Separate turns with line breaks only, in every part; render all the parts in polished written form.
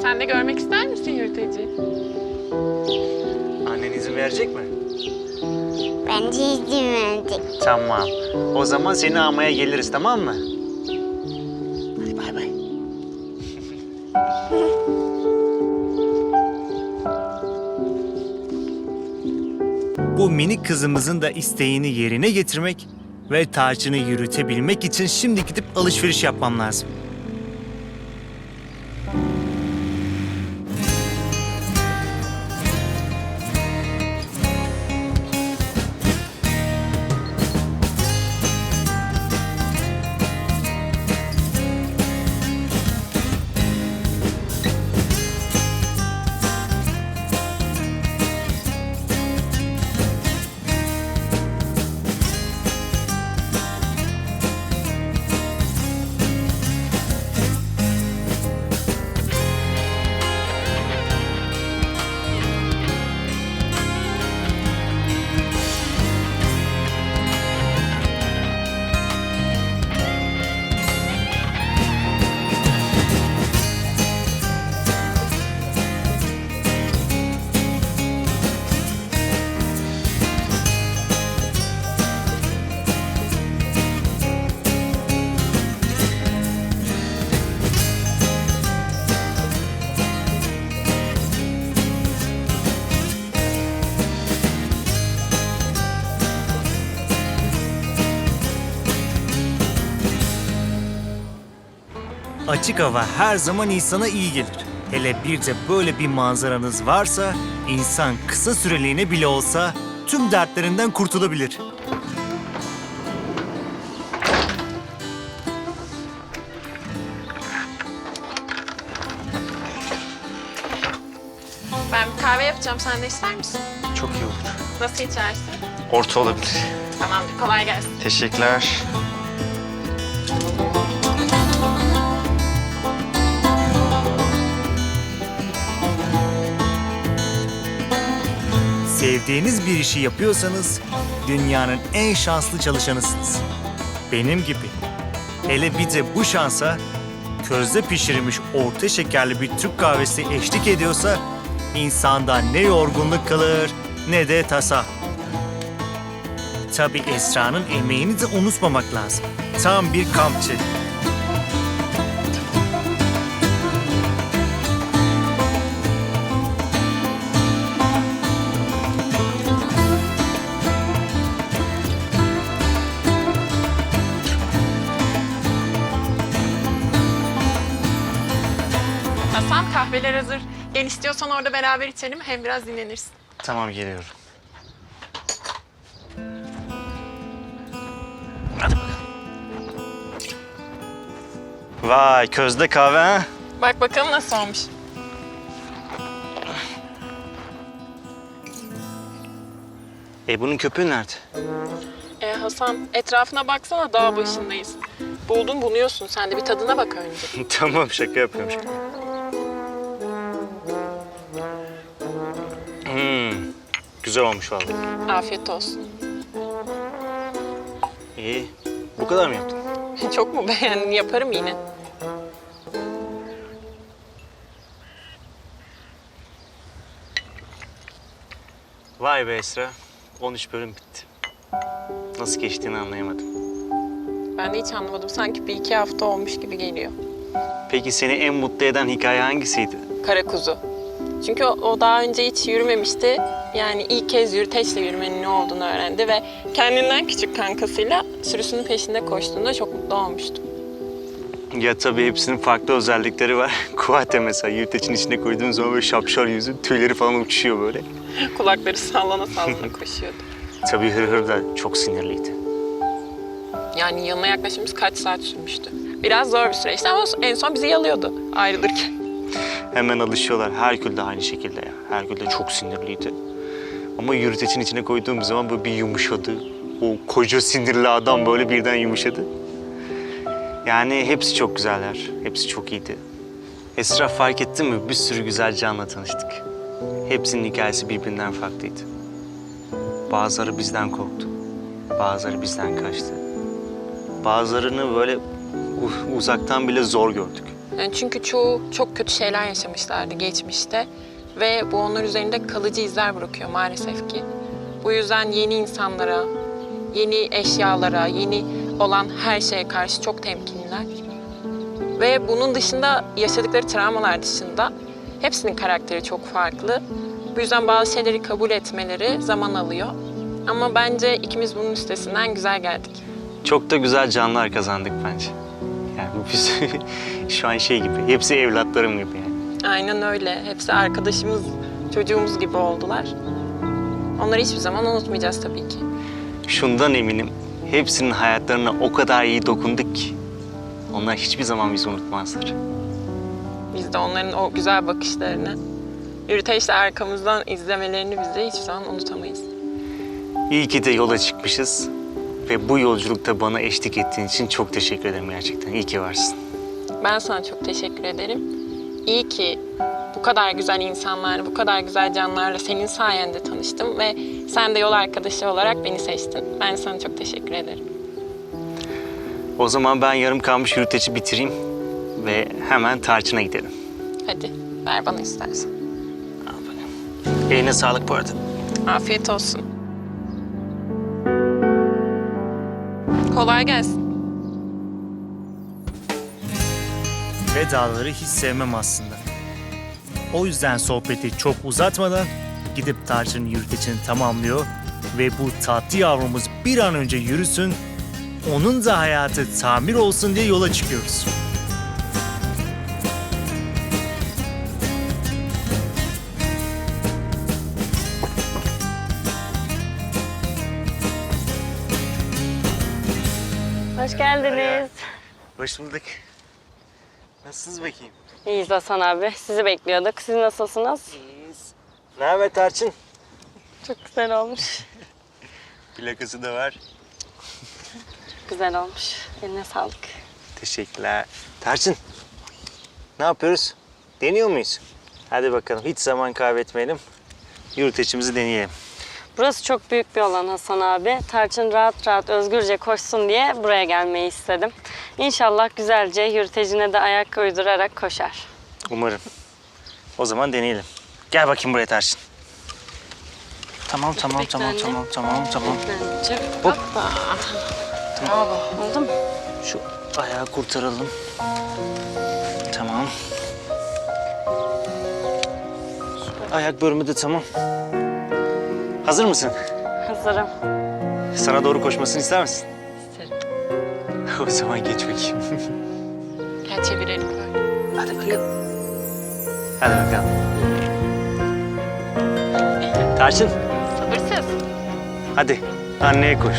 Sen de görmek ister misin yürüteci?
Annen izin verecek mi?
Bence izin verecek.
Tamam. O zaman seni almaya geliriz, tamam mı? Hadi bay bay. Bu minik kızımızın da isteğini yerine getirmek ve tacını yürütebilmek için şimdi gidip alışveriş yapmam lazım. Açık hava her zaman insana iyi gelir. Hele bir de böyle bir manzaranız varsa, insan kısa süreliğine bile olsa tüm dertlerinden kurtulabilir.
Ben bir kahve yapacağım. Sen de ister misin?
Çok iyi olur.
Nasıl içersin?
Orta olabilir.
Tamamdır. Kolay gelsin.
Teşekkürler. Sevdiğiniz bir işi yapıyorsanız dünyanın en şanslı çalışanısınız. Benim gibi. Hele bir de bu şansa közde pişirilmiş orta şekerli bir Türk kahvesi eşlik ediyorsa insanda ne yorgunluk kalır ne de tasa. Tabii Esra'nın emeğini de unutmamak lazım. Tam bir kampçı.
Hasan, kahveler hazır. Gel istiyorsan orada beraber içelim. Hem biraz dinlenirsin.
Tamam, geliyorum. Hadi bakalım. Vay, közde kahve ha?
Bak bakalım nasıl olmuş.
Bunun köpüğü nerede?
Hasan, etrafına baksana, dağ başındayız. Buldun buluyorsun. Sen de bir tadına bak önce.
Tamam, şaka yapıyorum. Güzel olmuş vallahi.
Afiyet olsun.
İyi. Bu kadar mı yaptın?
Çok mu beğendin? Yaparım yine.
Vay be Esra. 13 bölüm bitti. Nasıl geçtiğini anlayamadım.
Ben de hiç anlamadım. Sanki bir iki hafta olmuş gibi geliyor.
Peki seni en mutlu eden hikaye hangisiydi?
Kara kuzu. Çünkü o daha önce hiç yürümemişti. Yani ilk kez yürüteçle yürümenin ne olduğunu öğrendi ve kendinden küçük kankasıyla sürüsünün peşinde koştuğunda çok mutlu olmuştum.
Ya tabii hepsinin farklı özellikleri var. Kuate mesela yürütecin içine koyduğun zaman böyle şapşal yüzü, tüyleri falan uçuşuyor böyle.
Kulakları sallana sallana koşuyordu.
Tabii Hırhır da çok sinirliydi.
Yani yanına yaklaşımız kaç saat sürmüştü. Biraz zor bir süreçti ama en son bizi yalıyordu ayrılırken.
Hemen alışıyorlar. Herkül de aynı şekilde ya. Herkül de çok sinirliydi. Ama yürütecin içine koyduğum zaman böyle bir yumuşadı. O koca sinirli adam böyle birden yumuşadı. Yani hepsi çok güzeller. Hepsi çok iyiydi. Esra, fark ettin mi? Bir sürü güzel canla tanıştık. Hepsinin hikayesi birbirinden farklıydı. Bazıları bizden korktu. Bazıları bizden kaçtı. Bazılarını böyle uzaktan bile zor gördük.
Yani çünkü çoğu çok kötü şeyler yaşamışlardı geçmişte ve bu onlar üzerinde kalıcı izler bırakıyor maalesef ki. Bu yüzden yeni insanlara, yeni eşyalara, yeni olan her şeye karşı çok temkinliler. Ve bunun dışında yaşadıkları travmalar dışında hepsinin karakteri çok farklı. Bu yüzden bazı şeyleri kabul etmeleri zaman alıyor. Ama bence ikimiz bunun üstesinden güzel geldik.
Çok da güzel canlar kazandık bence. Yani biz şu an şey gibi, hepsi evlatlarım gibi yani.
Aynen öyle. Hepsi arkadaşımız, çocuğumuz gibi oldular. Onları hiçbir zaman unutmayacağız tabii ki.
Şundan eminim, hepsinin hayatlarına o kadar iyi dokunduk ki onlar hiçbir zaman bizi unutmazlar.
Biz de onların o güzel bakışlarını, yürüteçle arkamızdan izlemelerini biz de hiçbir zaman unutamayız.
İyi ki de yola çıkmışız ve bu yolculukta bana eşlik ettiğin için çok teşekkür ederim gerçekten. İyi ki varsın.
Ben sana çok teşekkür ederim. İyi ki bu kadar güzel insanlarla, bu kadar güzel canlarla senin sayende tanıştım ve sen de yol arkadaşı olarak beni seçtin. Ben sana çok teşekkür ederim.
O zaman ben yarım kalmış yürüteci bitireyim ve hemen tarçına gidelim.
Hadi ver bana istersen.
Al bakalım. Eline sağlık bu arada.
Afiyet olsun. Kolay gelsin.
Vedaları hiç sevmem aslında. O yüzden sohbeti çok uzatmadan gidip tarçının yürütecini tamamlıyor ve bu tatlı yavrumuz bir an önce yürüsün, onun da hayatı tamir olsun diye yola çıkıyoruz.
Hoş geldiniz.
Hoş bulduk. Nasılsınız bakayım?
İyiyiz Hasan abi. Sizi bekliyorduk. Siz nasılsınız?
İyiyiz. Ne haber Tarçın?
Çok güzel olmuş.
Plakası da var.
Güzel olmuş. Eline sağlık.
Teşekkürler. Tarçın, ne yapıyoruz? Deniyor muyuz? Hadi bakalım, hiç zaman kaybetmeyelim. Yürüteçimizi deneyelim.
Burası çok büyük bir alan Hasan abi. Tarçın rahat rahat özgürce koşsun diye buraya gelmeyi istedim. İnşallah güzelce yürütecine de ayak uydurarak koşar.
Umarım. O zaman deneyelim. Gel bakayım buraya Tarçın. Tamam. Hop.
Bravo. Oldu mu?
Şu ayağı kurtaralım. Tamam. Ayak bölümü de tamam. Hazır mısın?
Hazırım.
Sana doğru koşmasını ister misin?
İsterim.
O zaman geç bakayım.
Gel çevirelim böyle.
Hadi bakalım. Hadi bakalım. Tarçın,
Sabırsız.
hadi anneye koş.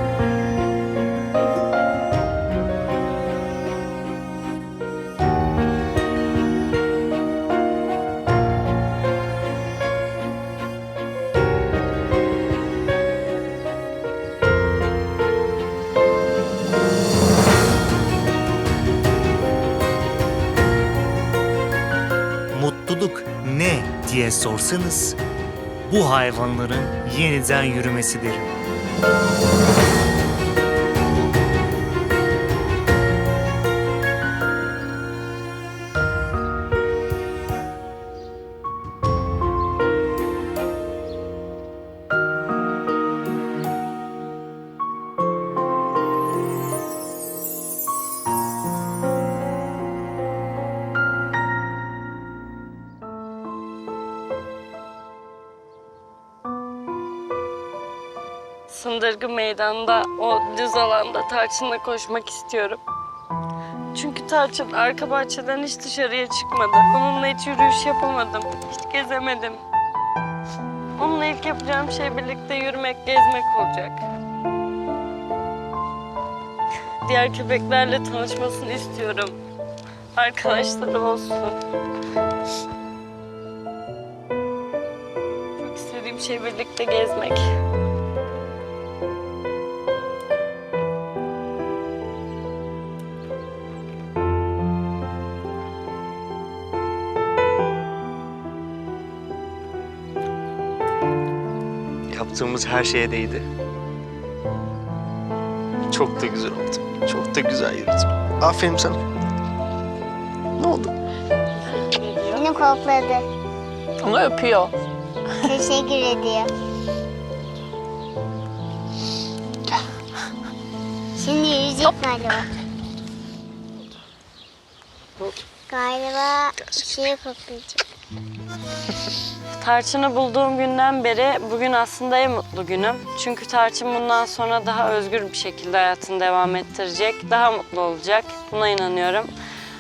Mutluluk ne diye sorsanız, bu hayvanların yeniden yürümesidir.
Sındırgı meydanında, o düz alanda Tarçın'la koşmak istiyorum. Çünkü Tarçın arka bahçeden hiç dışarıya çıkmadı. Onunla hiç yürüyüş yapamadım, hiç gezemedim. Onunla ilk yapacağım şey birlikte yürümek, gezmek olacak. Diğer köpeklerle tanışmasını istiyorum. Arkadaşları olsun. Çok istediğim şey birlikte gezmek.
Yaptığımız her şeye değdi. Çok da güzel oldu. Çok da güzel yürüdün. Aferin sana. Ne oldu?
Seni kokladı.
Onu öpüyor.
Teşekkür ediyor. Şimdi yürüyecek galiba. Galiba şeyi koklayacak.
Tarçın'ı bulduğum günden beri bugün aslında en mutlu günüm. Çünkü Tarçın bundan sonra daha özgür bir şekilde hayatını devam ettirecek, daha mutlu olacak. Buna inanıyorum.